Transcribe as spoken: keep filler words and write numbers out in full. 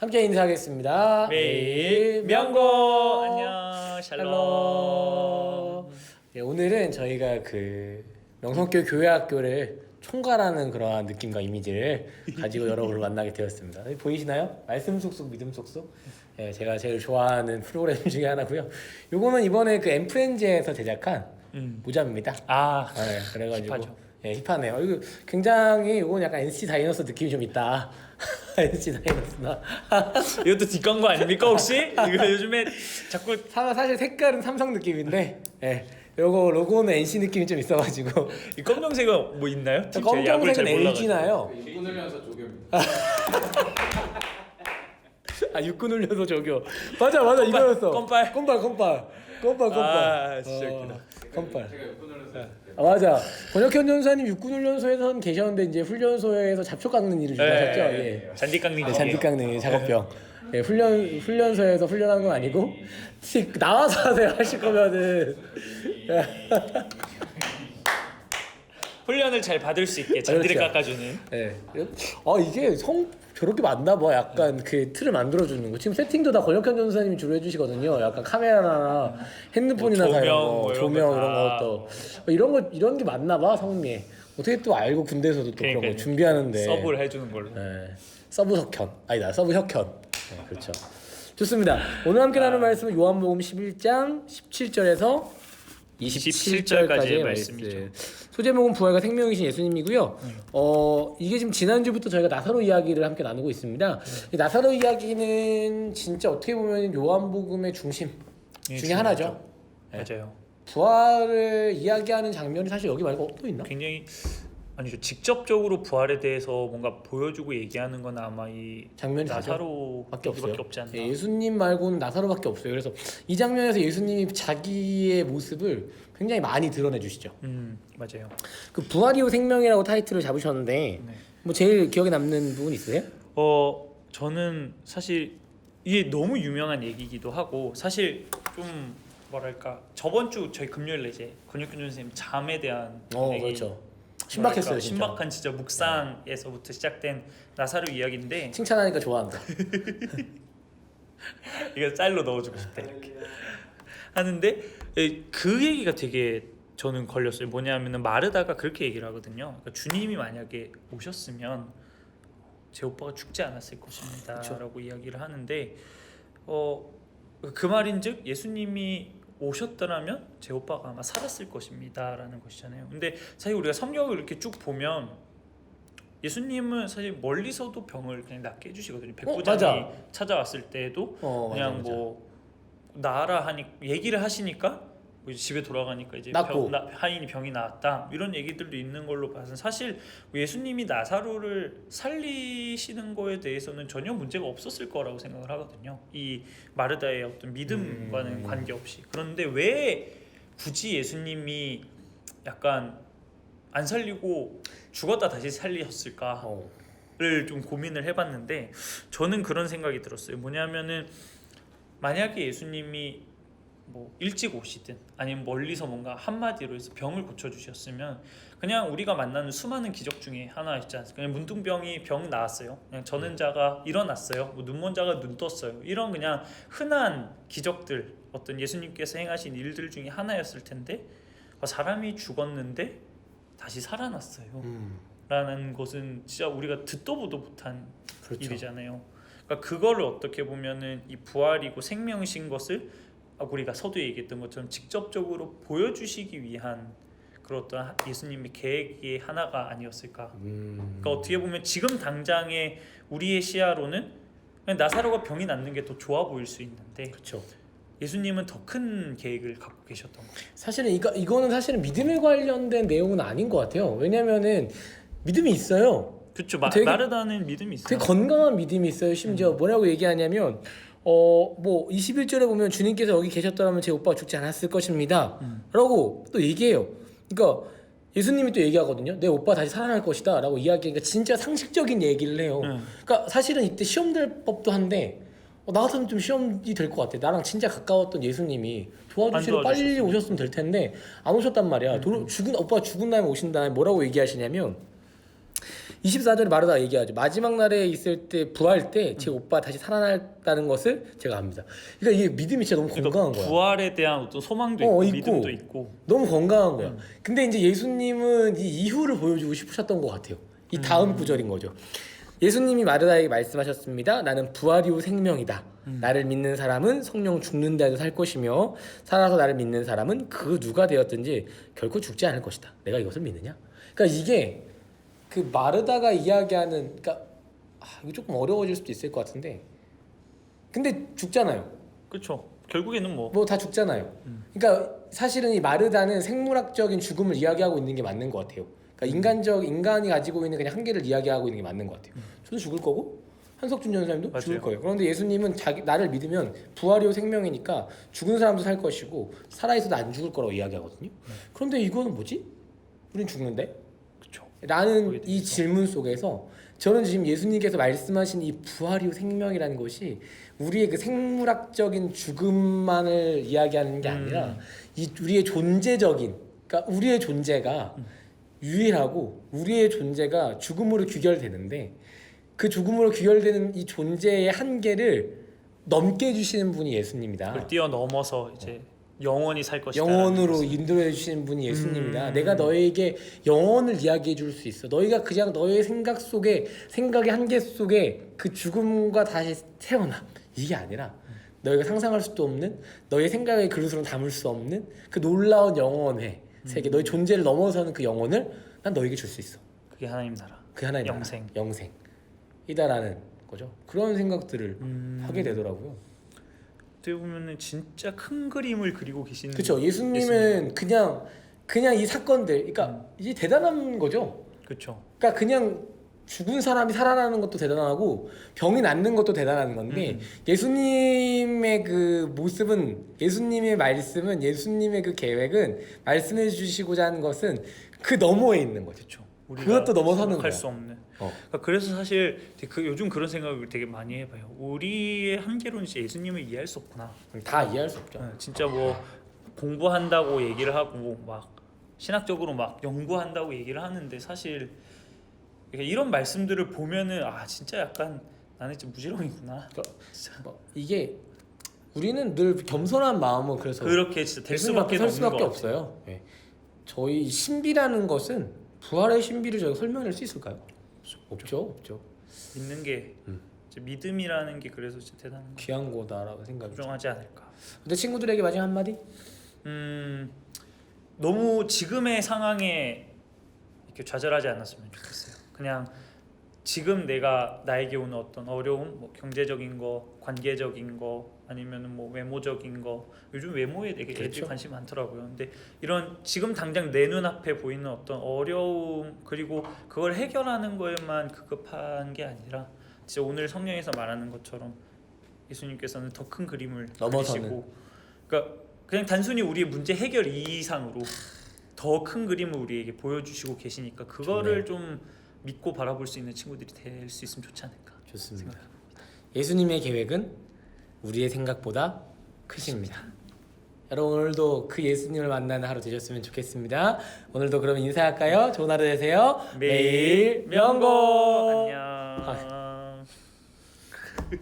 함께 인사하겠습니다. 매일 명고 안녕 샬롬. 네, 오늘은 저희가 그 명성교 교회학교를 총괄하는 그러한 느낌과 이미지를 가지고 여러분을 만나게 되었습니다. 보이시나요? 말씀 쏙쏙 믿음 쏙쏙. 네, 제가 제일 좋아하는 프로그램 중에 하나고요. 요거는 이번에 그 엠프렌즈에서 제작한 음. 모자입니다. 아, 네, 그래가지고 힙하죠. 예, 힙하네요. 이거 굉장히 이건 약간 엔시티 다이너스 느낌이 좀 있다. 엔시티 다이너스나. 이것도 뒷광고 아닙니까 혹시? 이거 요즘에 자꾸 사- 사실 색깔은 삼성 느낌인데, 예, 요거 로고는 엔씨 느낌이 좀 있어가지고. 이 검정색은 뭐 있나요? 팀 제가 야구를 잘 검정색은 몰라가지고. 엘지나요. 육군 훈련소 조교입니다. 아 육군 훈련소 저기요. 맞아 맞아 껌빨, 이거였어. 껌빨. 껌빨 껌빨 껌빨 껌빨. 아, 진짜 웃기다. 껌빨. 제가 육군 훈련소. 아 맞아. 권혁현 전사님 육군 훈련소에선 계셨는데 이제 훈련소에서 잡초 깎는 일을 좀 하셨죠. 네, 예. 잔디 깎는 네, 거. 잔디 깎는 작업병. 예, 훈련 훈련소에서 훈련한 건 아니고 혹시 나와서 하세요 하실 거면은. 훈련을 잘 받을 수 있게 잔디를 그렇죠. 깎아주는. 예. 아 이게 성 저렇게 맞나 봐. 약간 그 틀을 만들어 주는 거. 지금 세팅도 다 권혁현 전사님이 주로 해주시거든요. 약간 카메라나 핸드폰이나 뭐 다 이런 조명, 거, 뭐 이런 조명 거 이런 다. 것도 어, 이런 거 이런 게 맞나 봐 성미. 어떻게 또 알고 군대에서도 또 그런 거 그러니까요. 준비하는데. 서브를 해주는 걸로. 예. 서브 석현 아니다 서브 혁현. 네, 그렇죠. 좋습니다. 오늘 함께 나눌 말씀은 요한복음 십일 장 십칠 절에서 이십칠 절까지의 말씀. 말씀이죠. 소제목은 부활과 생명이신 예수님이고요. 음. 어 이게 지금 지난주부터 저희가 나사로 이야기를 함께 나누고 있습니다. 이 나사로 이야기는 진짜 어떻게 보면 요한복음의 중심 예, 중에 하나죠. 네. 맞아요. 부활을 이야기하는 장면이 사실 여기 말고 또 있나? 굉장히 아니죠. 직접적으로 부활에 대해서 뭔가 보여주고 얘기하는 건 아마 이 장면이 나사로밖에 없어요. 없지 않나. 예, 예수님 말고는 나사로밖에 없어요. 그래서 이 장면에서 예수님이 자기의 모습을 굉장히 많이 드러내 주시죠. 음 맞아요. 그 부활이요 생명이라고 타이틀을 잡으셨는데 네. 뭐 제일 기억에 남는 부분 있으세요? 어 저는 사실 이게 너무 유명한 얘기이기도 하고 사실 좀 뭐랄까 저번 주 저희 금요일에 이제 권혁균 선생님 잠에 대한 어 얘기, 그렇죠. 신박했어요 뭐랄까, 진짜. 신박한 진짜 묵상에서부터 시작된 나사로 이야기인데 칭찬하니까 좋아한다. 이거 짤로 넣어주고 싶다 이렇게 하는데 에, 그 얘기가 되게 저는 걸렸어요. 뭐냐면은 마르다가 그렇게 얘기를 하거든요. 그러니까 주님이 만약에 오셨으면 제 오빠가 죽지 않았을 것입니다 그쵸. 라고 이야기를 하는데 어, 그 말인즉 예수님이 오셨더라면 제 오빠가 아마 살았을 것입니다 라는 것이잖아요. 근데 사실 우리가 성경을 이렇게 쭉 보면 예수님은 사실 멀리서도 병을 그냥 낫게 해주시거든요. 백부장이 맞아. 찾아왔을 때도 어, 그냥 맞아, 맞아. 뭐 나아라 하니 얘기를 하시니까 뭐 이제 집에 돌아가니까 이제 낫고. 병, 나, 하인이 병이 나았다 이런 얘기들도 있는 걸로 봐서 사실 예수님이 나사로를 살리시는 거에 대해서는 전혀 문제가 없었을 거라고 생각을 하거든요. 이 마르다의 어떤 믿음과는 음. 관계없이. 그런데 왜 굳이 예수님이 약간 안 살리고 죽었다 다시 살리셨을까? 어. 를 좀 고민을 해봤는데 저는 그런 생각이 들었어요. 뭐냐면은 만약에 예수님이 뭐 일찍 오시든 아니면 멀리서 뭔가 한마디로 해서 병을 고쳐주셨으면 그냥 우리가 만나는 수많은 기적 중에 하나 있지 않습니까? 그냥 문둥병이 병 나았어요. 그냥 저는 자가 일어났어요. 뭐 눈먼 자가 눈 떴어요. 이런 그냥 흔한 기적들 어떤 예수님께서 행하신 일들 중에 하나였을 텐데 사람이 죽었는데 다시 살아났어요. 음. 라는 것은 진짜 우리가 듣도 보도 못한 그렇죠. 일이잖아요. 그러니까 그거를 어떻게 보면은 이 부활이고 생명이신 것을 우리가 서두에 얘기했던 것처럼 직접적으로 보여주시기 위한 그런 어떤 예수님의 계획의 하나가 아니었을까. 음. 그러니까 어떻게 보면 지금 당장의 우리의 시야로는 그냥 나사로가 병이 낫는 게 더 좋아 보일 수 있는데 그렇죠. 예수님은 더 큰 계획을 갖고 계셨던 거예요. 사실은 이거 이거는 사실은 믿음에 관련된 내용은 아닌 것 같아요. 왜냐면은 믿음이 있어요. 그렇죠. 마, 되게- 마르다는 믿음이 있어요. 되게 건강한 믿음이 있어요. 심지어 음. 뭐라고 얘기하냐면 어 뭐 이십일 절에 보면 주님께서 여기 계셨더라면 제 오빠가 죽지 않았을 것입니다. 음. 라고 또 얘기해요. 그러니까 예수님이 또 얘기하거든요. 내 오빠 다시 살아날 것이다 라고 이야기하니까 진짜 상식적인 얘기를 해요. 음. 그러니까 사실은 이때 시험 될 법도 한데 어, 나 같으면 좀 시험이 될 것 같아. 나랑 진짜 가까웠던 예수님이 도와주시러 안 빨리 도와주셨으면. 오셨으면 될 텐데 안 오셨단 말이야. 도, 죽은 오빠가 죽은 다음에 오신 다음에 뭐라고 얘기하시냐면 이십사 절에 마르다가 얘기하죠. 마지막 날에 있을 때 부활 때 제 오빠 다시 살아났다는 것을 제가 압니다. 그러니까 이게 믿음이 진짜 너무 건강한 그러니까 거야. 부활에 대한 어떤 소망도 어, 있고, 있고. 믿음도 있고. 너무 건강한 거야. 음. 근데 이제 예수님은 이 이후를 보여주고 싶으셨던 것 같아요. 이 다음 음. 구절인 거죠. 예수님이 마르다에게 말씀하셨습니다. 나는 부활이요 생명이다. 음. 나를 믿는 사람은 성령 죽는 데도 살 것이며 살아서 나를 믿는 사람은 그 누가 되었든지 결코 죽지 않을 것이다. 내가 이것을 믿느냐? 그러니까 이게 그 마르다가 이야기하는 그러니까 아, 이거 조금 어려워질 수도 있을 것 같은데 근데 죽잖아요. 그렇죠. 결국에는 뭐 뭐 다 죽잖아요. 음. 그러니까 사실은 이 마르다는 생물학적인 죽음을 이야기하고 있는 게 맞는 것 같아요. 그러니까 인간적 인간이 가지고 있는 그냥 한계를 이야기하고 있는 게 맞는 것 같아요. 저도 죽을 거고 한석준 전사님도 맞아요. 죽을 거예요. 그런데 예수님은 자기 나를 믿으면 부활이요 생명이니까 죽은 사람도 살 것이고 살아 있어도 안 죽을 거라고 이야기하거든요. 그런데 이거는 뭐지? 우린 죽는데? 그렇죠. 라는 이 질문 속에서 저는 지금 예수님께서 말씀하신 이 부활이요 생명이라는 것이 우리의 그 생물학적인 죽음만을 이야기하는 게 아니라 음. 이 우리의 존재적인 그러니까 우리의 존재가 음. 유일하고 우리의 존재가 죽음으로 귀결되는데 그 죽음으로 귀결되는 이 존재의 한계를 넘게 해주시는 분이 예수님이다. 그걸 뛰어넘어서 이제 영원히 살 것이다. 영원으로 인도해 주시는 분이 예수님이다. 음. 내가 너에게 영원을 이야기해 줄 수 있어. 너희가 그냥 너의 생각 속에 생각의 한계 속에 그 죽음과 다시 태어나. 이게 아니라 너희가 상상할 수도 없는 너의 생각의 그릇으로 담을 수 없는 그 놀라운 영원의 세계, 너의 존재를 넘어서는 그 영혼을 난 너에게 줄 수 있어. 그게 하나님 나라. 그 하나의 나라, 영생. 영생이다라는 거죠. 그런 생각들을 음. 하게 되더라고요. 어떻게 보면은 진짜 큰 그림을 그리고 계시는. 그렇죠. 예수님은 그냥 그냥 이 사건들, 그러니까 이게 대단한 거죠. 그렇죠. 그러니까 그냥 죽은 사람이 살아나는 것도 대단하고 병이 낫는 것도 대단한 건데 음. 예수님의 그 모습은 예수님의 말씀은 예수님의 그 계획은 말씀해 주시고자 하는 것은 그 너머에 있는 거죠. 그렇죠. 우리가 그것도 넘어서는 생각할 거야. 수 없는. 어. 그러니까 그래서 사실 되게 그 요즘 그런 생각을 되게 많이 해봐요. 우리의 한계로는 진짜 예수님을 이해할 수 없구나. 다 이해할 수 없죠. 네, 진짜 뭐 공부한다고 얘기를 하고 막 신학적으로 막 연구한다고 얘기를 하는데 사실 이런 말씀들을 보면은 아 진짜 약간 나는 진짜 무지렁이구나. 뭐 이게 우리는 늘 겸손한 마음은 그래서 그렇게 진짜 될 예수님 앞에 수밖에 설 없는 수밖에 것 없어요. 예. 저희 신비라는 것은 부활의 신비를 저희가 설명할 수 있을까요? 없죠, 없죠. 믿는 게 음. 진짜 믿음이라는 게 그래서 진짜 대단한 거. 귀한 거다라고 생각이. 부정하지 않을까. 근데 친구들에게 마지막 한 마디? 음 너무 지금의 상황에 이렇게 좌절하지 않았으면 좋겠어요. 그냥 지금 내가 나에게 오는 어떤 어려움, 뭐 경제적인 거, 관계적인 거, 아니면은 뭐 외모적인 거. 요즘 외모에 되게 애들이 그렇죠. 관심 많더라고요. 근데 이런 지금 당장 내 눈앞에 보이는 어떤 어려움 그리고 그걸 해결하는 거에만 급급한 게 아니라 진짜 오늘 성경에서 말하는 것처럼 예수님께서는 더 큰 그림을 넘어서는. 그리시고, 그러니까 그냥 단순히 우리의 문제 해결 이상으로 더 큰 그림을 우리에게 보여주시고 계시니까 그거를 좋네요. 좀 믿고 바라볼 수 있는 친구들이 될 수 있으면 좋지 않을까. 좋습니다. 생각합니다. 예수님의 계획은 우리의 생각보다 크십니다. 여러분 오늘도 그 예수님을 만나는 하루 되셨으면 좋겠습니다. 오늘도 그럼 인사할까요? 좋은 하루 되세요. 매일 명고. 안녕. 아.